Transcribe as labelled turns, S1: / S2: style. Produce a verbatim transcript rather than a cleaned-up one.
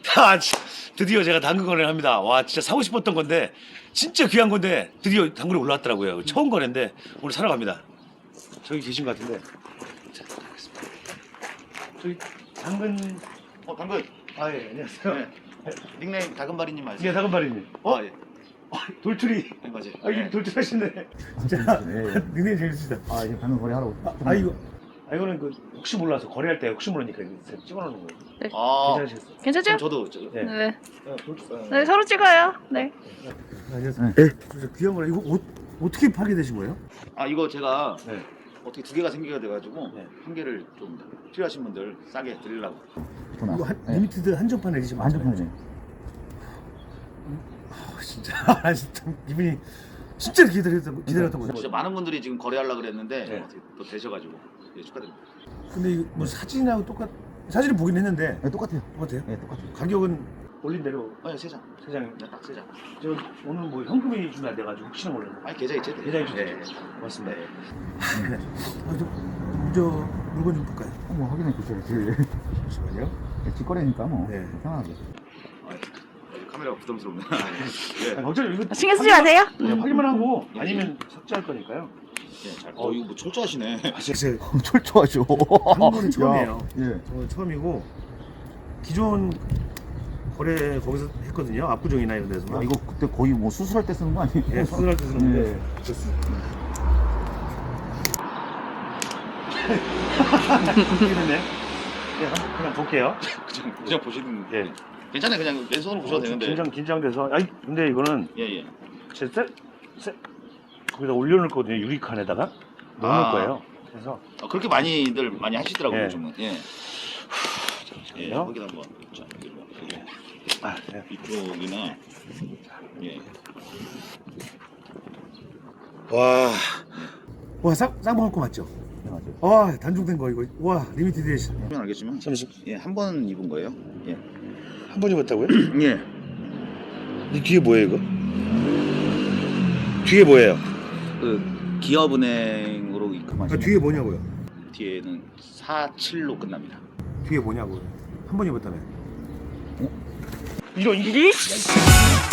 S1: 아, 진- 드디어 제가 당근 거래를 합니다. 와, 진짜 사고 싶었던 건데 진짜 귀한 건데 드디어 당근이 올라왔더라고요. 처음 거래인데 오늘 사러 갑니다. 저기 계신 것 같은데. 자, 가겠습니다. 저기 당근.
S2: 어, 당근.
S1: 아, 예, 안녕하세요.
S2: 네. 닉네임 다금바리님 맞으세요?
S1: 예, 당근바리님. 어?
S2: 아, 예.
S1: 아, 돌출이.
S2: 네, 맞아요.
S1: 아, 이게
S2: 네.
S1: 돌출하시네. 진짜
S3: 예, 예.
S1: 닉네임 재밌으시다.
S3: 아, 이제 방금 거래하러.
S1: 아, 아 이거. 아, 이거는 그 혹시 몰라서 거래할 때 혹시 모르니까 이거 찍어놓는 거예요.
S2: 아,
S1: 괜찮으시겠어요?
S4: 괜찮죠?
S2: 그럼 저도 저,
S1: 네.
S4: 네.
S2: 어, 돌- 어,
S4: 네, 서로 찍어요. 네.
S1: 안녕하세요. 네. 진짜 귀한 거라 이거 옷 어떻게 파게 되신 거예요?
S2: 아, 이거 제가
S1: 네.
S2: 어떻게 두 개가 생기게 돼가지고
S1: 네.
S2: 한 개를 좀 필요하신 분들 싸게 드리려고.
S1: 이거 한,
S3: 네.
S1: 리미티드 한정판 에디션 맞아요?
S3: 한정판이네.
S1: 아, 진짜 아, 진짜 기분이 진짜 기다렸던 기다렸던 거죠.
S2: 진짜 많은 분들이 지금 거래하려고 그랬는데
S1: 네.
S2: 어떻게 또 되셔가지고 예, 축하드립니다.
S1: 근데 이거 뭐 사진하고 똑같 사진을 보긴 했는데
S3: 네, 똑같아요.
S1: 똑같아요?
S3: 네, 똑같아요.
S1: 가격은 올린 대로
S2: 아, 세 장.
S1: 세 장.
S2: 네, 딱 세 장.
S1: 저 오늘 뭐 현금이 준비안 돼가지고 혹시나 몰라서.
S2: 아니, 계좌 이체 돼요.
S1: 계좌 이체
S2: 네.
S1: 돼요. 고맙습니다.
S2: 네.
S1: 아, 저, 저 물건 좀 볼까요?
S3: 한번 확인해 주셔야지.
S1: 잠시만요.
S3: 직거래니까 뭐
S1: 네.
S3: 편하게.
S2: 아, 카메라가 부담스럽네.
S1: 아,
S2: 네.
S1: 걱정 이거
S4: 신경 쓰지 마세요.
S1: 네, 확인만 하고 아니면 삭제할 거니까요.
S2: 네, 잘. 어, 이거 뭐 철저하시네.
S1: 아, 제가
S3: 철저하죠.
S1: 한국은 처음이에요.
S3: 야, 예.
S1: 저 처음이고 기존 거래 거기서 했거든요. 압구정이나 이런 데서.
S3: 아, 이거 그때 거의 뭐 수술할 때 쓰는 거 아니에요?
S1: 예, 수술할 때 쓰는데.
S3: 예.
S1: 이러네. 예, 한번 그냥 볼게요.
S2: 그냥, 그냥 보시는.
S1: 예.
S2: 괜찮아요. 그냥 왼손으로 보셔도 되는데.
S1: 긴장 긴장돼서. 아니 근데 이거는
S2: 예, 예.
S1: 제 세, 세, 거기다 올려놓을 거거든요. 유리칸에다가 넣어놓을
S2: 아.
S1: 거예요. 그래서
S2: 어, 그렇게 많이들 많이 하시더라고요.
S1: 예.
S2: 요즘은. 예. 예.
S1: 잠시만요.
S2: 거기다 한번. 자, 여기 뭐, 여기.
S1: 아, 네.
S2: 이쪽이나. 예.
S1: 와, 와 쌍, 쌍방울 거 맞죠?
S3: 네, 맞아요.
S1: 와, 단종된 거 이거. 와, 리미티드 에디션.
S2: 보면 알겠지만.
S1: 잠시
S2: 예, 한 번 입은 거예요. 예.
S1: 한 번 입었다고요?
S2: 예.
S1: 이 뒤에 뭐예요 이거? 뒤에 뭐예요?
S2: 그 기업은행으로 입금하시면
S1: 아, 뒤에 뭐냐고요?
S2: 뒤에는 사십칠로 끝납니다.
S1: 뒤에 뭐냐고요? 한 번 입었다며?
S3: 어?
S1: 이런 이
S4: 이씨.